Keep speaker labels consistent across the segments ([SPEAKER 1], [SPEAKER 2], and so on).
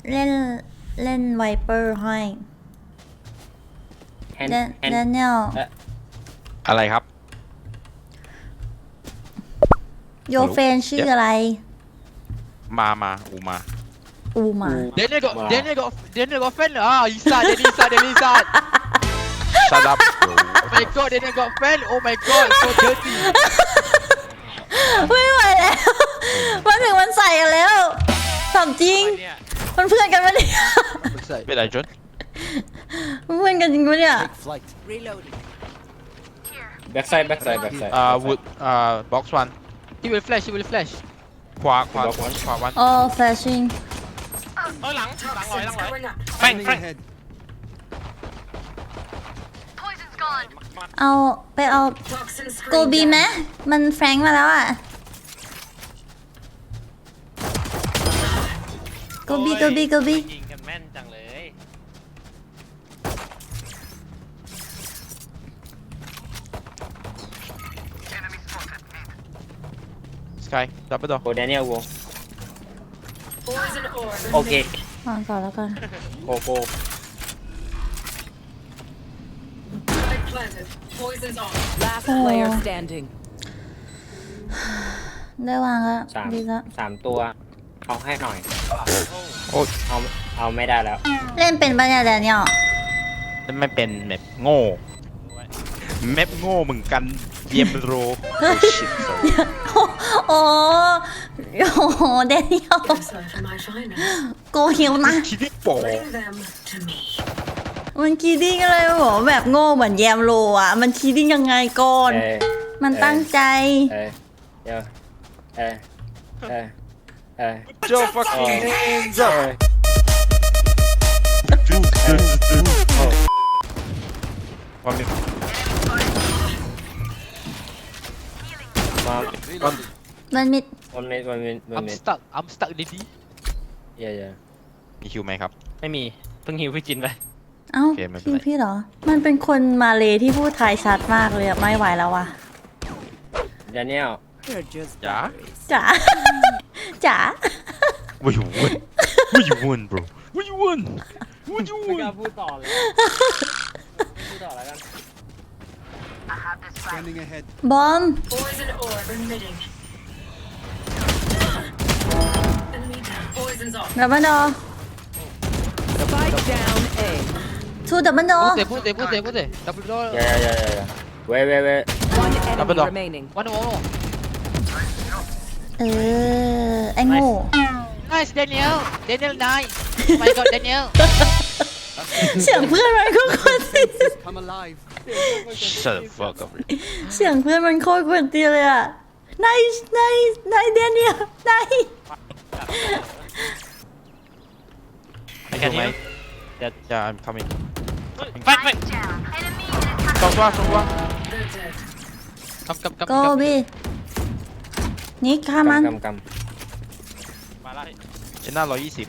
[SPEAKER 1] เล่นเล่นไวเปอร์ให้แดเนียล
[SPEAKER 2] อะไรครับ
[SPEAKER 1] โยเฟนชื่ออะไร
[SPEAKER 2] มาอูมา
[SPEAKER 1] อูมา
[SPEAKER 3] Daniel got fan lah. Isan.
[SPEAKER 2] shut up bro
[SPEAKER 3] Oh my god, Daniel got fan. Oh my god, so dirty.
[SPEAKER 1] ไม่ไหวแล้วมาถึงวันใส่กันแล้วถามจริงมันเพื่อนกันปะเนี่ย
[SPEAKER 2] เป็นไรจน
[SPEAKER 1] มันเพื่อนกันจริงปะเนี่ย
[SPEAKER 4] backside
[SPEAKER 2] วุดbox one
[SPEAKER 3] He will flash.
[SPEAKER 2] ขวาวัน
[SPEAKER 1] อ๋อ flashing
[SPEAKER 5] หลังร้อยแฟง
[SPEAKER 1] เอาไปเอาโกบีไหมมันแฟรงค์มาแล้วอ่ะโกบี
[SPEAKER 5] ยิงกันแม่นจังเลย
[SPEAKER 2] สกายดับเบิลดอ
[SPEAKER 4] โอ้ Daniel วงโอเคว
[SPEAKER 1] างก่อนแล้วกัน
[SPEAKER 4] โกโก้
[SPEAKER 6] Last player standing.
[SPEAKER 1] ได้วางแล้วดีแล้ว
[SPEAKER 4] 3 ตัวเอาให้หน่อย
[SPEAKER 2] โอ้
[SPEAKER 4] เอาไม่ได้แล้ว
[SPEAKER 1] เล่นเป็นปะเนี่ยแดเนียล
[SPEAKER 2] ไม่เป็นแมปโง่แมปโง่เหมือนกันเยมโรโอ้ชิต
[SPEAKER 1] โอ้โหแดเนียลโกหิวนะ
[SPEAKER 2] คิดที่โป๋
[SPEAKER 1] มันคีดิ้งอะไรบอกแบบโง่เหมือนแยมโลอ่ะมันคีดิ้งยังไงก่อน มันตั้งใจ
[SPEAKER 4] เดี๋ยว
[SPEAKER 2] โจ fucking hands up วันนี้
[SPEAKER 4] มา
[SPEAKER 1] มันมิด
[SPEAKER 4] วันนี้
[SPEAKER 3] I'm stuck, Didi.
[SPEAKER 4] เย่
[SPEAKER 2] มีคิวไหมครับ
[SPEAKER 5] ไม่มีเพิ่งหิวพี่จินไป
[SPEAKER 1] เอ้า
[SPEAKER 2] โอเคไม่เป็นไร
[SPEAKER 1] พี่เหรอ มันเป็นคนมาเลที่พูดไทยชัดมากเลยอะไม่ไหวแล้วว่ะ
[SPEAKER 4] Daniel
[SPEAKER 6] You're just
[SPEAKER 2] จ๋า
[SPEAKER 1] จ๋า จ๋า
[SPEAKER 2] What you want What you want bro What you want What you
[SPEAKER 4] ไม่กล้า
[SPEAKER 2] want
[SPEAKER 4] พูดต่อเลยพูดต่อแล้วกัน
[SPEAKER 7] Scanning ahead.
[SPEAKER 1] บอมดับเบิลดอ
[SPEAKER 6] spike down A.
[SPEAKER 1] ทูดับเบิลดอ
[SPEAKER 3] Put there. Double door.
[SPEAKER 4] เย่เว้
[SPEAKER 6] One enemy
[SPEAKER 2] Double door.
[SPEAKER 6] remaining.
[SPEAKER 3] One more.
[SPEAKER 1] เออ ไอ้โง่
[SPEAKER 3] Nice, Daniel. Daniel, nice. Oh my god, Daniel.
[SPEAKER 1] เสียงเพื่อนมันก็คนตี
[SPEAKER 7] Come alive.
[SPEAKER 2] Shut the fuck up
[SPEAKER 1] เสียงเพื่อนมันโคตรกวนตีเลยอะนายเดนเนียลนาย
[SPEAKER 5] ไปกันที่
[SPEAKER 2] Yeah I'm coming
[SPEAKER 5] แฟง
[SPEAKER 2] สองตัว
[SPEAKER 3] Come.
[SPEAKER 1] โกบีนี่ฆ่ามัน
[SPEAKER 4] กำ
[SPEAKER 5] มาแล้ว
[SPEAKER 2] ชนะ120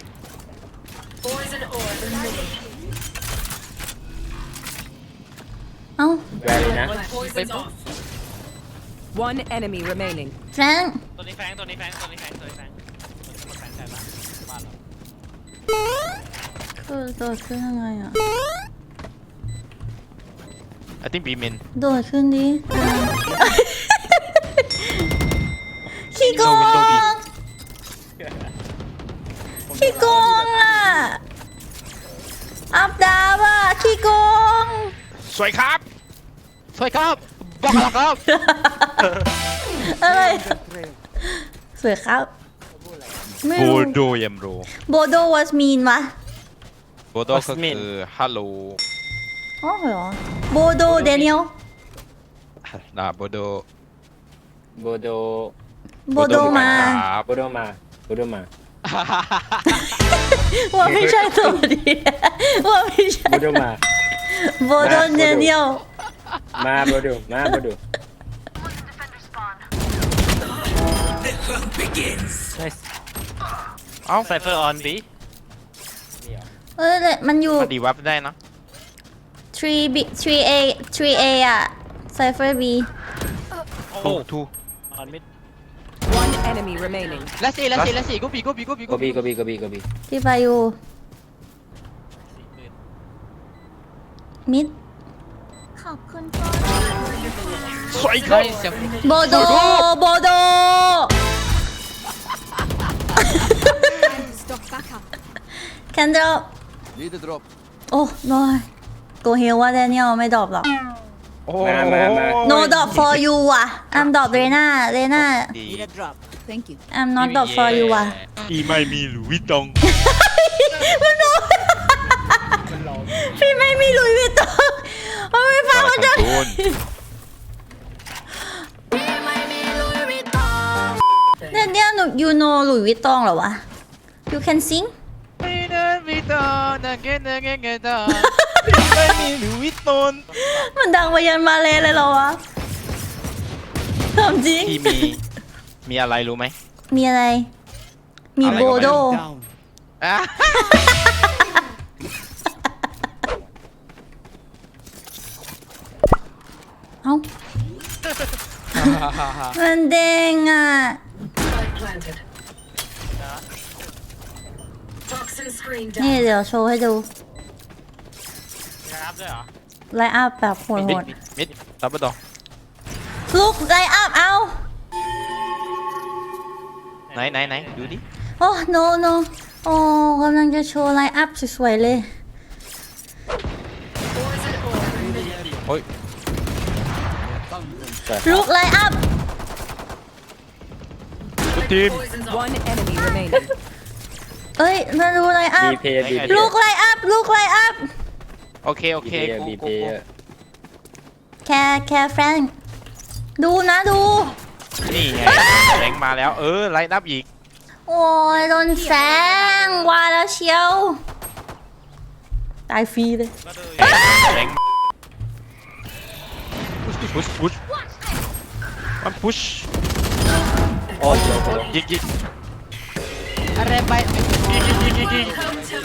[SPEAKER 1] เอ้า
[SPEAKER 4] แวร์เลยนะ
[SPEAKER 6] One enemy remaining.
[SPEAKER 1] แฟรงค์
[SPEAKER 5] ตัวนี้แฟงมันจะหมดแฟงใช่ปะบ้านเรา
[SPEAKER 1] คือโดดขึ้นยังไงอะ
[SPEAKER 2] I think B main
[SPEAKER 1] โดดขึ้นดิ ขี้โกง
[SPEAKER 2] Window B
[SPEAKER 1] ขี้โกงอ่ะ อัพดาวอ่ะ ขี้โกง
[SPEAKER 2] สวยครับ
[SPEAKER 3] Swipe up. Bok up.
[SPEAKER 1] อะไร สวยครับ ไม่
[SPEAKER 2] โบ
[SPEAKER 1] รู้
[SPEAKER 2] โดเยมโร
[SPEAKER 1] โบโด was mean วะ
[SPEAKER 2] โบโดก็คือฮัลโหล
[SPEAKER 1] อ๋อเหรอ โบโดเดนิเอล
[SPEAKER 2] นะโบโด
[SPEAKER 4] โบโด
[SPEAKER 1] โบโดมา
[SPEAKER 2] ครับ
[SPEAKER 4] โบโดมา
[SPEAKER 1] ว่าไม่ใช่ตัวดี ว่าไม่ใช่
[SPEAKER 4] โบโดมา
[SPEAKER 1] โบโดเดนิเอล
[SPEAKER 4] มาโบโด
[SPEAKER 2] เอ้า
[SPEAKER 5] ไซเฟอร์ออนบี
[SPEAKER 1] เอ้ยมันอยู่
[SPEAKER 2] มาดีวับได้นะ
[SPEAKER 1] 3B 3A 3A อ่ะ Cypher B
[SPEAKER 5] โอ้
[SPEAKER 2] ทู
[SPEAKER 5] ออนมิด
[SPEAKER 6] One enemy remaining.
[SPEAKER 3] และสี่กูปี
[SPEAKER 4] โกบีโกบีโกบี
[SPEAKER 1] พี่ไปอยู่มิดขอบคุณค่ะ
[SPEAKER 2] สวย
[SPEAKER 3] ใช่เสียง
[SPEAKER 1] โบโดโบโด แคนเดล
[SPEAKER 7] Need a drop.
[SPEAKER 1] โอ้น้อยกูเฮียว่าแดเนียลไม่ดรอปหรอก
[SPEAKER 2] โอ้
[SPEAKER 4] มา
[SPEAKER 1] no drop for you ว่ะ I'm drop เรน่า
[SPEAKER 2] ดี
[SPEAKER 6] Need a drop. Thank you.
[SPEAKER 1] I'm not drop for you ว่ะ
[SPEAKER 2] อีไม่มีหรือวิตอง
[SPEAKER 1] พี่ไม่มีหลุยส์วิตตองมันไม่ฟังมันจะ
[SPEAKER 2] โดน
[SPEAKER 1] เนี่ยหนู you know หลุยส์วิตตองเหรอวะ you can sing
[SPEAKER 3] ไม่ได้วิตอนนักเก็ตตอ
[SPEAKER 2] ไม่มีหรือวิตอง
[SPEAKER 1] มันดังไปยันมาเลยเหรอวะถามจริง
[SPEAKER 2] พี่มีอะไรรู้ไหม
[SPEAKER 1] มีอะไร มี
[SPEAKER 2] อะไร
[SPEAKER 1] โบ
[SPEAKER 2] ก็ไม่
[SPEAKER 1] โด
[SPEAKER 2] อ่ะ
[SPEAKER 1] เอ้า มันเด้งอ่ะ นี่เดี๋ยวโชว์ให้ดู
[SPEAKER 5] ครับด้วยเหรอ
[SPEAKER 1] ไลน์อัพแบบโห
[SPEAKER 2] มิด
[SPEAKER 1] ด
[SPEAKER 2] มิดซับเปอร์ดอ
[SPEAKER 1] ๆลุกไลน์อัพเอา
[SPEAKER 2] ไหนดูดิ
[SPEAKER 1] โอ้ no no โอ้กำลังจะโชว์ไลน์อัพสวยๆเลย
[SPEAKER 2] โอ้ย
[SPEAKER 1] ลุกไลน์อัพ
[SPEAKER 2] ทุกทีม
[SPEAKER 6] One enemy remaining.
[SPEAKER 1] เอ้ย มาดูไลน์อัพ
[SPEAKER 4] บีเพย์บี
[SPEAKER 1] ลุกไลน์อัพลุกไลน์อัพ
[SPEAKER 2] โอเคกู
[SPEAKER 4] บีเพย์
[SPEAKER 1] แค่แฟรงค์ดูนะดู
[SPEAKER 2] นี่ไงแรงมาแล้วไลน์นับอีก
[SPEAKER 1] โอ้ยโดนแสงว่าแล้วเชียว ตายฟรีเลย
[SPEAKER 5] ก็ดู
[SPEAKER 2] แรงพุชมันพุช
[SPEAKER 4] โอ้ย
[SPEAKER 2] ยิง
[SPEAKER 3] อะไรไป
[SPEAKER 2] ยิง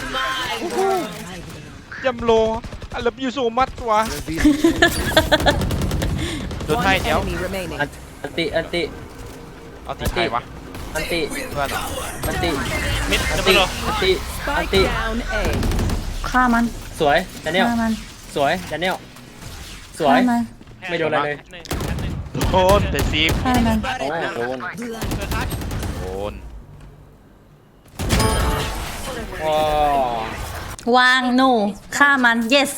[SPEAKER 2] ยำโลI love you so much วะโดน
[SPEAKER 6] One
[SPEAKER 2] ให้เดี๋ยว
[SPEAKER 6] enemy remaining.
[SPEAKER 4] อันติ
[SPEAKER 2] เอาตีใครวะ
[SPEAKER 4] อันติ
[SPEAKER 2] เพื่อนเหรอ
[SPEAKER 4] อันติ
[SPEAKER 5] มิด
[SPEAKER 4] อัน
[SPEAKER 5] จะ
[SPEAKER 4] ติ
[SPEAKER 5] ไปดู
[SPEAKER 4] อันติอัน
[SPEAKER 6] Spike
[SPEAKER 4] ติ
[SPEAKER 6] down A.
[SPEAKER 1] ฆ่ามัน
[SPEAKER 4] สวยแดเนียล
[SPEAKER 1] ฆ่ามัน
[SPEAKER 4] สวยแดเนียลสวย
[SPEAKER 1] ฆ่ามัน
[SPEAKER 4] ไม่โดนอะไรเลย
[SPEAKER 5] หนึ่งชั้นหนึ่ง
[SPEAKER 2] โดนแต่ซีม
[SPEAKER 1] ฆ่ามัน
[SPEAKER 4] โอ้โดน
[SPEAKER 2] โดน
[SPEAKER 4] โอ้
[SPEAKER 1] วางหนูฆ่ามัน yes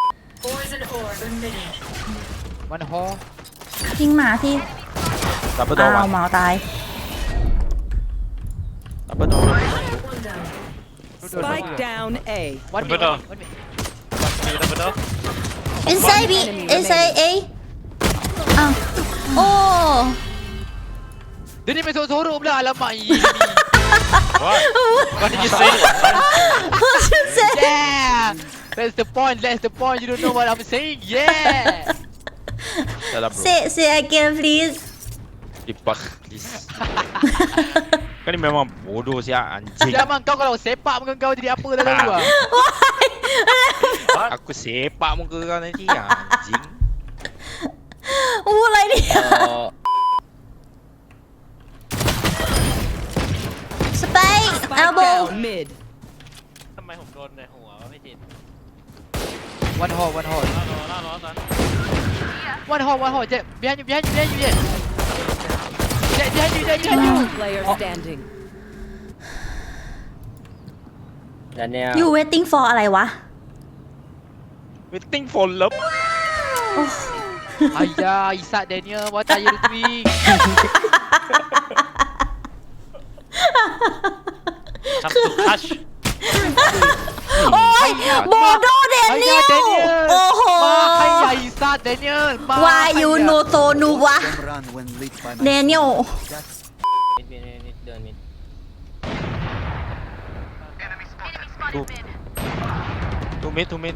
[SPEAKER 3] มันฮอ
[SPEAKER 1] ยิงหมาที่
[SPEAKER 2] ดับเบิลโด
[SPEAKER 1] อ้าน
[SPEAKER 2] วะ
[SPEAKER 1] วหมาตาย
[SPEAKER 2] ดับเบิลโด
[SPEAKER 6] Spike down A.
[SPEAKER 3] วัน
[SPEAKER 5] ไปดูมีดับเบิลดู
[SPEAKER 1] inside B inside A อ้าวโอ้
[SPEAKER 3] เดี๋ยวนี้ไปโซรูปแล้วละไหม
[SPEAKER 5] What did you say
[SPEAKER 1] should say
[SPEAKER 3] Yeah that's the point you don't know what I'm saying yeah
[SPEAKER 2] จะดับ
[SPEAKER 1] say again please
[SPEAKER 2] ดิปัก please ก็นี่ memang bodoh sih anjing
[SPEAKER 3] Jangan kau kalau sepak muka kau jadi apa dah tahu ah.
[SPEAKER 2] aku sepak muka kau nanti anjing
[SPEAKER 1] อู้อะไรเนี่ย spike
[SPEAKER 6] Spike
[SPEAKER 1] elbow
[SPEAKER 6] down mid.
[SPEAKER 5] ทำไมผมโดนในหัววะพี่จิน
[SPEAKER 3] One hole
[SPEAKER 5] ล่อล้อตอน
[SPEAKER 3] one hole Jet behind you Jet behind you
[SPEAKER 6] Last player standing.
[SPEAKER 4] แดเนียล
[SPEAKER 1] you waiting for อะไรวะ
[SPEAKER 2] waiting for love
[SPEAKER 3] Ayah Isak Daniel what are you doing
[SPEAKER 5] ทำสุดทัช
[SPEAKER 1] โอ้ยโบโดเดเนีย
[SPEAKER 3] Ayah
[SPEAKER 1] ล
[SPEAKER 3] Daniel
[SPEAKER 1] โอ้โห
[SPEAKER 3] Ayah Isak Daniel
[SPEAKER 1] why you know so นูวะ
[SPEAKER 7] Can run when lit by
[SPEAKER 1] เด
[SPEAKER 7] my
[SPEAKER 1] เนียล
[SPEAKER 7] That's
[SPEAKER 4] มิดเดินมิด
[SPEAKER 2] two mid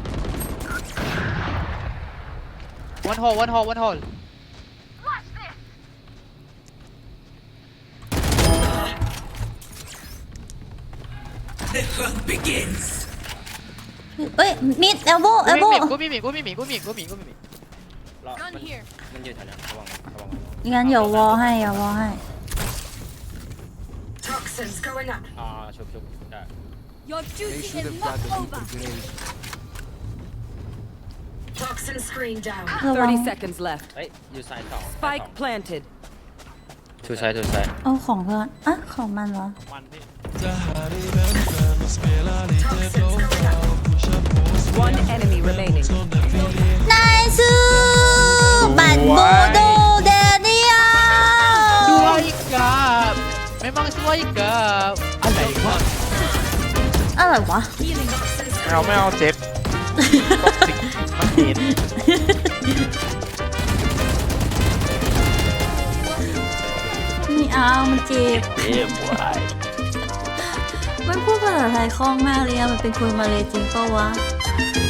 [SPEAKER 3] One hole
[SPEAKER 7] begins.
[SPEAKER 1] เอ้ยมิดเอลโบ
[SPEAKER 3] Go mid
[SPEAKER 4] รอมันอยู่แถวนั้นระวัง
[SPEAKER 1] งั้นอย่าวอให้
[SPEAKER 4] อ่าชุบได้
[SPEAKER 6] Your
[SPEAKER 7] They
[SPEAKER 6] duty
[SPEAKER 7] should
[SPEAKER 6] is
[SPEAKER 7] have
[SPEAKER 6] not
[SPEAKER 7] dug a
[SPEAKER 6] over.
[SPEAKER 7] deeper grave.
[SPEAKER 1] ระวัง
[SPEAKER 6] 30 seconds left.
[SPEAKER 4] เฮ้ยอยู่ซ้ายสอง
[SPEAKER 6] Spike planted.
[SPEAKER 4] ทูซ้ายทูซ้าย
[SPEAKER 1] เอาของเพื่อนอ่ะของมันเหรอ
[SPEAKER 5] มันพี่
[SPEAKER 6] One enemy remaining.
[SPEAKER 1] นายซื้อบัตรโบโดเดเนีย
[SPEAKER 3] สวยกับไม่มังสวยกับอะไรวะ
[SPEAKER 1] อะไรวะ
[SPEAKER 2] ไม่เอาเจ็บก็สิมันเห็น
[SPEAKER 1] นี่เอามันเจ็บ
[SPEAKER 2] เจ็บวาย
[SPEAKER 1] มันพูดภาษาไทยคล่องมากเลยอะมันเป็นคนมาเลยจริงเปล่าวะ